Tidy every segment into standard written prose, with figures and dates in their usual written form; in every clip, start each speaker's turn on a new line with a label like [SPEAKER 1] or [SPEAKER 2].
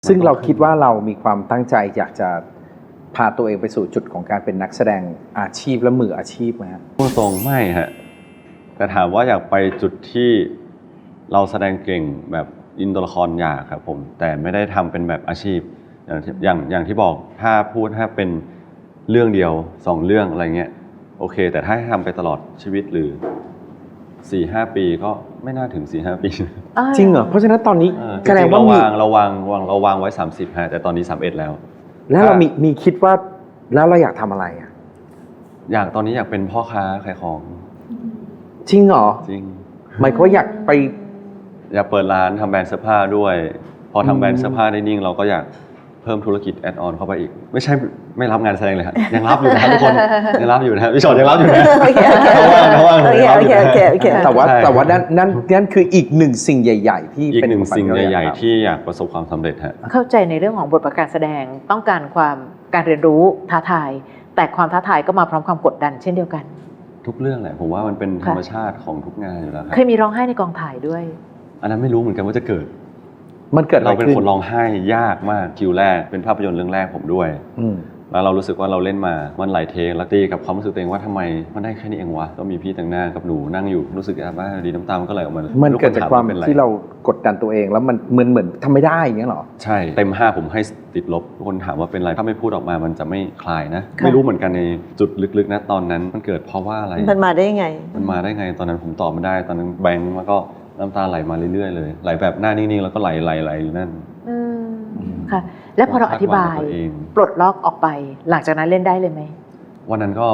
[SPEAKER 1] ซึ่งเราคิดว่าเรามีความตั้งใจอยากจะพาตัวเองไปสู่จุดของการเป็นนักแสดงอาชีพและมืออาชีพไหมครับ
[SPEAKER 2] พูดตรงไม่ฮะแต่ถามว่าอยากไปจุดที่เราแสดงเก่งแบบอินตัวละครอยากครับผมแต่ไม่ได้ทำเป็นแบบอาชีพอย่างที่บอกถ้าเป็นเรื่องเดียว2เรื่องอะไรเงี้ยโอเคแต่ถ้าให้ทำไปตลอดชีวิตหรือ 4-5 ปีก็ไม่น่าถึง 4-5 ปี
[SPEAKER 1] จริงเหรอเพราะฉะนั้นตอนนี้แสดงว่า
[SPEAKER 2] เราวางไว้30ฮะแต่ตอนนี้31แล้ว
[SPEAKER 1] แล้วเรามีคิดว่าแล้วเราอยากทำอะไรอ่ะ
[SPEAKER 2] ตอนนี้อยากเป็นพ่อค้าขายของ
[SPEAKER 1] จริงเหรอ
[SPEAKER 2] จริง
[SPEAKER 1] หมายความว่าอยาก
[SPEAKER 2] เปิดร้านทำแบรนด์เสื้อผ้าด้วยพอทำแบรนด์เสื้อผ้าได้นิ่งเราก็อยากเพิ่มธุรกิจแอดออนเข้าไปอีกไม่ใช่ไม่รับงานแสดงเลยครับยังรับอยู่นะทุกคนยังรับอยู่นะพี่ชอตยังรับอยู่นะ
[SPEAKER 1] แต่ว่านั่นคืออีกหนึ่งสิ่งใหญ่ๆที่
[SPEAKER 2] เป็นสิ่งใหญ่ๆที่อยากประสบความสำเร็จฮะ
[SPEAKER 3] เข้าใจในเรื่องของบทบาทการแสดงต้องการการเรียนรู้ท้าทายแต่ความท้าทายก็มาพร้อมความกดดันเช่นเดียวกัน
[SPEAKER 2] ทุกเรื่องแหละผมว่ามันเป็นธรรมชาติของทุกงานอยู่แล้วครับ
[SPEAKER 3] เคยมีร้องไห้ในกองถ่ายด้วย
[SPEAKER 2] อันนั้นไม่รู้เหมือนกันว่าจะเกิด
[SPEAKER 1] เรา
[SPEAKER 2] เป็นคนร้องไห้ยากมากคิวแรกเป็นภาพยนตร์เรื่องแรกผมด้วยแล้วเรารู้สึกว่าเราเล่นมามันหลายเทคแล้วตีกับความรู้สึกตัวเองว่าทำไมมันได้แค่นี้เองวะก็มีพี่แต่งหน้ากับหนูนั่งอยู่รู้สึกว่าดีน้ำตามันก็ไหลออกมา
[SPEAKER 1] มันเกิดจากความที่เรากดดันตัวเองแล้วมันเหมือนทำไม่ได้อย่างเงี้ยหรอ
[SPEAKER 2] ใช่เต็ม5ผมให้ติดลบทุกคนถามว่าเป็นไรถ้าไม่พูดออกมามันจะไม่คลายนะไม่รู้เหมือนกันในจุดลึกๆนะตอนนั้นมันเกิดเพราะว่าอะไร
[SPEAKER 4] มันมาได้ไง
[SPEAKER 2] ตอนนั้นผมตอบไม่ได้ตอนนั้นแบงค์แล้วก็น้ำตาไหลมาเรื่อยๆเลยไหลแบบหน้านิ่งๆแล้วก็ไหลอยู่นั่น
[SPEAKER 3] ค่ะและพอเราอธิบายปลดล็อกออกไปหลังจากนั้นเล่นได้เลยไหม
[SPEAKER 2] วันนั้นก็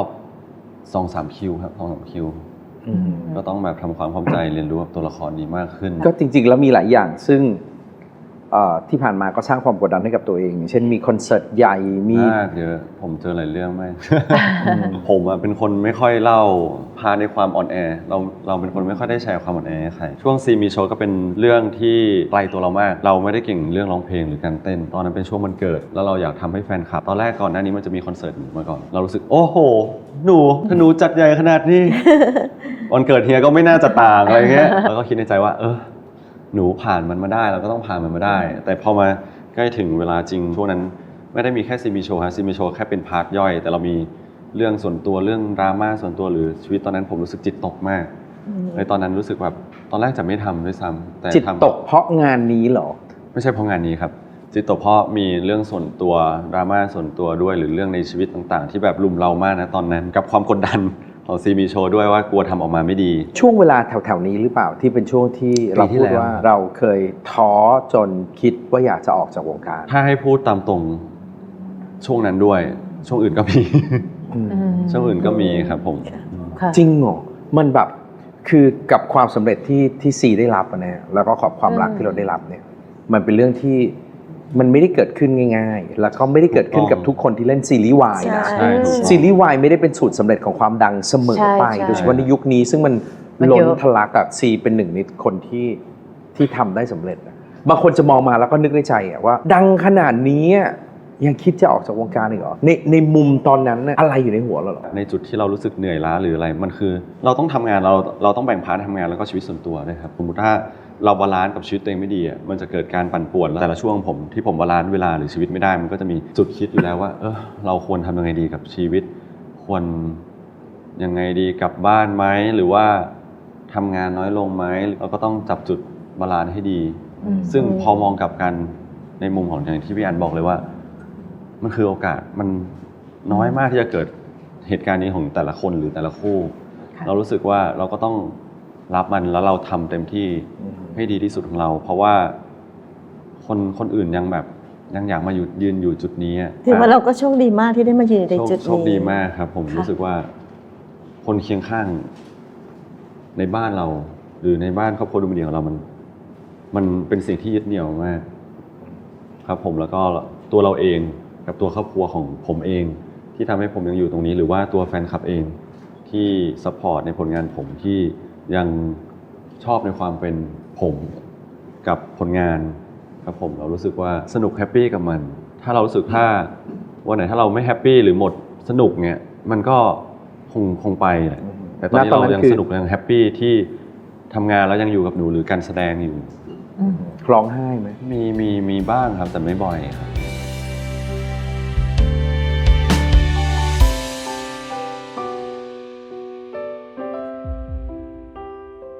[SPEAKER 2] 2-3 คิวครับ 2-3 คิวก็ต้องแบบทำความเข้าใจเรียนรู้กับตัวละครนี้มากขึ้น
[SPEAKER 1] ก็จริงๆแล้วมีหลายอย่างซึ่งที่ผ่านมาก็สร้างความกดดันให้กับตัวเองเช่นมีคอนเสิร์ตใหญ่มี
[SPEAKER 2] เยอะผมเจอหลายเรื่องมาก ผมเป็นคนไม่ค่อยเล่าพาในความอ่อนแอเราเป็นคนไม่ค่อยได้แชร์ความอ่อนแอให้ใครช่วงซีมีโชว์ก็เป็นเรื่องที่ไกลตัวเรามากเราไม่ได้เก่งเรื่องร้องเพลงหรือการเต้นตอนนั้นเป็นช่วงวันเกิดแล้วเราอยากทำให้แฟนคลับตอนแรกก่อนหน้านี้มันจะมีคอนเสิร์ตมาก่อนเรารู้สึกโอ้โหถ้าหนูจัดใหญ่ขนาดนี้ วันเกิดเฮียก็ไม่น่าจะต่างอะไรเงี้ยแล้วก็คิดในใจว่าหนูผ่านมันมาได้เราก็ต้องผ่านมันมาได้แต่พอมาใกล้ถึงเวลาจริงช่วงนั้นไม่ได้มีแค่ซีมีโชว์ฮะซีมีโชว์แค่เป็นพาร์ทย่อยแต่เรามีเรื่องส่วนตัวเรื่องดราม่าส่วนตัวหรือชีวิตตอนนั้นผมรู้สึกจิตตกมากในตอนนั้นรู้สึกแบบตอนแรกจะไม่ทำด้วยซ้ำแต่
[SPEAKER 1] จิตตกเพราะงานนี้เหรอ
[SPEAKER 2] ไม่ใช่เพราะงานนี้ครับจิตตกเพราะมีเรื่องส่วนตัวดราม่าส่วนตัวด้วยหรือเรื่องในชีวิตต่างๆที่แบบลุมเรามากนะตอนนั้นกับความกดดันของซีมีโชว์ด้วยว่ากลัวทำออกมาไม่ดี
[SPEAKER 1] ช่วงเวลาแถวๆนี้หรือเปล่าที่เป็นช่วงที่เราพูดว่าเราเคยท้อจนคิดว่าอยากจะออกจากวงการ
[SPEAKER 2] ถ้าให้พูดตามตรงช่วงนั้นด้วยช่วงอื่นก็มีช่วงอื่นก็มีครับผม
[SPEAKER 1] จริงเหรอมันแบบคือกับความสำเร็จที่ซีได้รับนะแล้วก็ขอบความรักที่เราได้รับเนี่ยมันเป็นเรื่องที่มันไม่ได้เกิดขึ้นง่ายๆแล้วก็ไม่ได้เกิดขึ้นกับทุกคนที่เล่นซีรีส์วายนะซีรีส์วายไม่ได้เป็นสูตรสำเร็จของความดังเสมอไปโดยเฉพาะในยุคนี้ซึ่งมันล้นทะลักซีเป็นหนึ่งในคนที่ทำได้สำเร็จบางคนจะมองมาแล้วก็นึกในใจว่าดังขนาดนี้ยังคิดจะออกจากวงการอีกเหรอในมุมตอนนั้นอะไรอยู่ในหัวเราหรอ
[SPEAKER 2] ในจุดที่เรารู้สึกเหนื่อยล้าหรืออะไรมันคือเราต้องทำงานเราต้องแบ่งพาร์ททำงานแล้วก็ชีวิตส่วนตัวด้วยครับสมมติถ้าเราบาลานซ์กับชีวิตตัวเองไม่ดีมันจะเกิดการปั่นป่วนแต่ละช่วงที่ผมบาลานซ์เวลาหรือชีวิตไม่ได้มันก็จะมีจุดคิดอยู่แล้วว่าเราควรทำยังไงดีกับชีวิตควรยังไงดีกลับบ้านไหมหรือว่าทำงานน้อยลงไหมเราก็ต้องจับจุดบาลานซ์ให้ดีซึ่งพอมองกลับกันในมุมของอย่างที่พี่อันบอกเลยว่ามันคือโอกาสมันน้อยมากที่จะเกิดเหตุการณ์นี้ของแต่ละคนหรือแต่ละคู่เรารู้สึกว่าเราก็ต้องรับมันแล้วเราทำเต็มที่ให้ดีที่สุดของเราเพราะว่าคนอื่นยังอยากมายืนอยู่จุดนี้
[SPEAKER 4] ถือว่าเราก็โชคดีมากที่ได้มายืนในจุดนี้
[SPEAKER 2] โชคดีมากครับผมรู้สึกว่าคนเคียงข้างในบ้านเราหรือในบ้านครอบครัวดูมันดีของเรามันเป็นสิ่งที่ยึดเหนี่ยวมากครับผมแล้วก็ตัวเราเองกับตัวครอบครัวของผมเองที่ทำให้ผมยังอยู่ตรงนี้หรือว่าตัวแฟนคลับเองที่ซัพพอร์ตในผลงานผมที่ยังชอบในความเป็นผมกับผลงานครับผมเรารู้สึกว่าสนุกแฮปปี้กับมันถ้าเรารู้สึกถ้าวันไหนถ้าเราไม่แฮปปี้หรือหมดสนุกเนี่ยมันก็คงไปแต่ตอนนี้เรายังสนุกยังแฮปปี้ที่ทำงานแล้วยังอยู่กับหนูหรือการแสดงอยู่
[SPEAKER 3] อืม
[SPEAKER 1] ร้องไห้ไหม
[SPEAKER 2] มีบ้างครับแต่ไม่บ่อยครับ